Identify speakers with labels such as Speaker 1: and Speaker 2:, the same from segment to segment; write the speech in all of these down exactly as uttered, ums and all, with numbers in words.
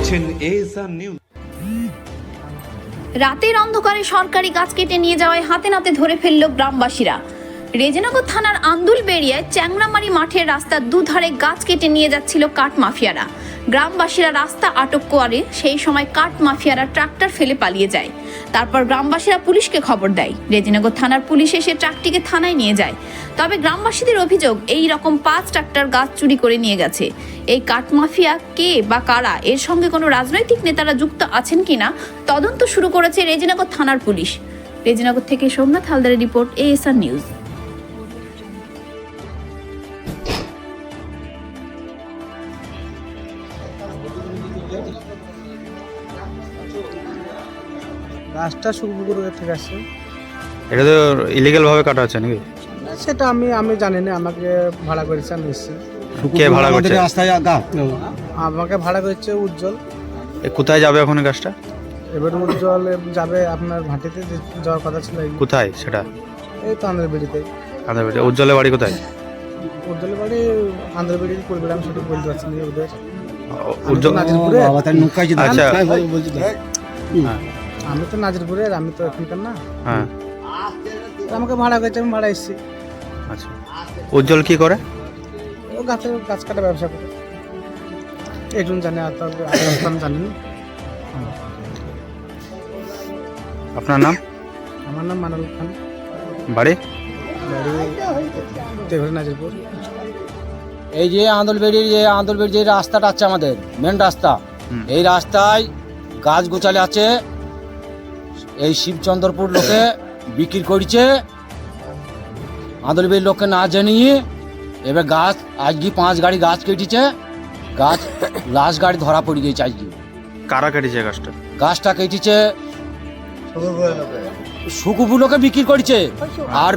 Speaker 1: দেখছেন ASR news.
Speaker 2: রাতের অন্ধকারে সরকারি গাছ কেটে নিয়ে যাওয়ায় হাতে নাতে ধরে ফেলল গ্রামবাসীরা। রেজিনগর থানার আন্দুলবেড়িয়ায় চ্যাংরামারি মাঠের রাস্তার দুধারে গাছ কেটে নিয়ে যাচ্ছিল কাঠ মাফিয়ারা। গ্রামবাসীরা রাস্তা আটক করে, সেই সময় কাঠ মাফিয়ারা ট্রাক্টর ফেলে পালিয়ে যায়। তারপর গ্রামবাসীরা পুলিশকে খবর দেয়। রেজিনগর থানার পুলিশ এসে ট্রাকটিকে থানায় নিয়ে যায়। তবে গ্রামবাসীদের অভিযোগ, এই রকম পাঁচ ট্রাক্টর গাছ চুরি করে নিয়ে গেছে। এই কাঠ মাফিয়া কে বা কারা, এর সঙ্গে কোনো রাজনৈতিক নেতারা যুক্ত আছেন কিনা তদন্ত শুরু করেছে রেজিনগর থানার পুলিশ। রেজিনগর থেকে সোমনাথ হালদারের রিপোর্ট, এএসআর নিউজ।
Speaker 3: গাছটা সুখপুকুর থেকে আসছে।
Speaker 4: এটা তো ইলিগাল ভাবে কাটা হচ্ছে নাকি?
Speaker 3: সেটা আমি আমি জানি না, আমাকে ভাড়া করেছে, আমি এসেছি।
Speaker 4: কে ভাড়া করছে?
Speaker 3: আমাকে ভাড়া করেছে উজ্জ্বল।
Speaker 4: এ কোথায় যাবে এখন এই গাছটা?
Speaker 3: এবার উজ্জ্বল যাবে আপনার ভাটিতে যে যাওয়ার কথা ছিল।
Speaker 4: কোথায় সেটা?
Speaker 3: এই তো আন্ধ্রবেড়িতে।
Speaker 4: আন্ধ্রবেড়ি। উজ্জ্বলের বাড়ি কোথায়?
Speaker 3: উজ্জ্বলের বাড়ি আন্ধ্রবেড়ি করবে, আমি সেটা বলতে পারছি না ওদের।
Speaker 4: উজ্জ্বল
Speaker 3: নাজিরপুরে।
Speaker 4: আচ্ছা,
Speaker 3: হ্যাঁ, আমি তো নাজিরপুরে, আমি তো এখানকার না।
Speaker 4: হ্যাঁ,
Speaker 3: আমাকে ভাড়া করেছে, আমি ভাড়া এসেছি।
Speaker 4: আচ্ছা। উজ্জ্বল কি করে?
Speaker 3: ও গাছের গাছ কাটা ব্যবসা করে। একজন জানে, আর তবে আমি জানি না।
Speaker 4: আপনার নাম?
Speaker 3: আমার নাম মানাল খান।
Speaker 4: বাড়ি?
Speaker 3: বাড়ি নাজিরপুর।
Speaker 5: এই যে আন্দোলবেড়ির যে আন্দোলবেড়ির যে রাস্তাটা আছে আমাদের মেন রাস্তা, এই রাস্তায় গাছ গোছালে আছে। এই শিবচন্দ্রপুর লোকে বিক্রি করছে, আন্দোলবেড়ির লোককে না জানিয়ে। এবার গাছ আজকে পাঁচ গাড়ি গাছ কেটেছে, গাছ লাস্ট গাড়ি ধরা পড়ে গেছে আজকে।
Speaker 4: কারা কেটেছে গাছটা?
Speaker 5: গাছটা কেটেছে সুকুপুর লোকে বিক্রি করছে, আর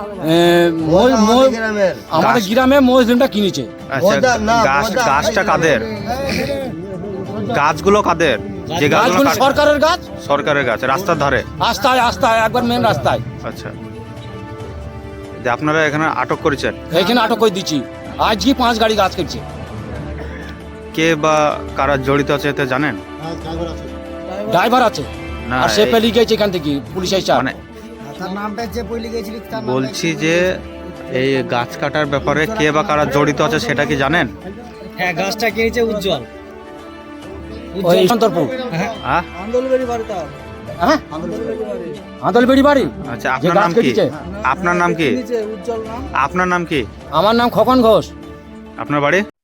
Speaker 5: আমাদের গ্রামে মজলিমটা কিনেছে।
Speaker 4: আচ্ছা, গাছ গাছটা কাদের? গাছগুলো কাদের? যে গাছগুলো
Speaker 5: সরকারের গাছ।
Speaker 4: সরকারের গাছ, রাস্তার ধারে?
Speaker 5: রাস্তায় রাস্তায় একবার মেন রাস্তায়।
Speaker 4: আচ্ছা, যে আপনারা এখানে আটক করেছেন?
Speaker 5: এখানে আটক করে দিচ্ছি, আজকে পাঁচ গাড়ি গাছ কেটেছে।
Speaker 4: কে বা কারা জড়িত আছে এতে জানেন?
Speaker 5: ড্রাইভার আছে,
Speaker 4: না,
Speaker 5: আর সে পেলি গেছে এখান থেকে পুলিশ এসে।
Speaker 4: মানে বলছি যে এই গাছ কাটার ব্যাপারে কে বা কারা জড়িত আছে সেটা কি জানেন?
Speaker 6: হ্যাঁ, গাছটা কিনেছে উজ্জ্বল।
Speaker 5: ওই সন্তরপুর।
Speaker 4: হ্যাঁ,
Speaker 3: আন্দোলবেড়ি বাড়ি তার।
Speaker 5: হ্যাঁ, আন্দোলবেড়ি বাড়ি।
Speaker 4: আচ্ছা, আপনার নাম কি? আপনার নাম কি?
Speaker 3: উজ্জ্বল নাম।
Speaker 4: আপনার নাম কি?
Speaker 5: আমার নাম খোকন ঘোষ।
Speaker 4: আপনার বাড়ি?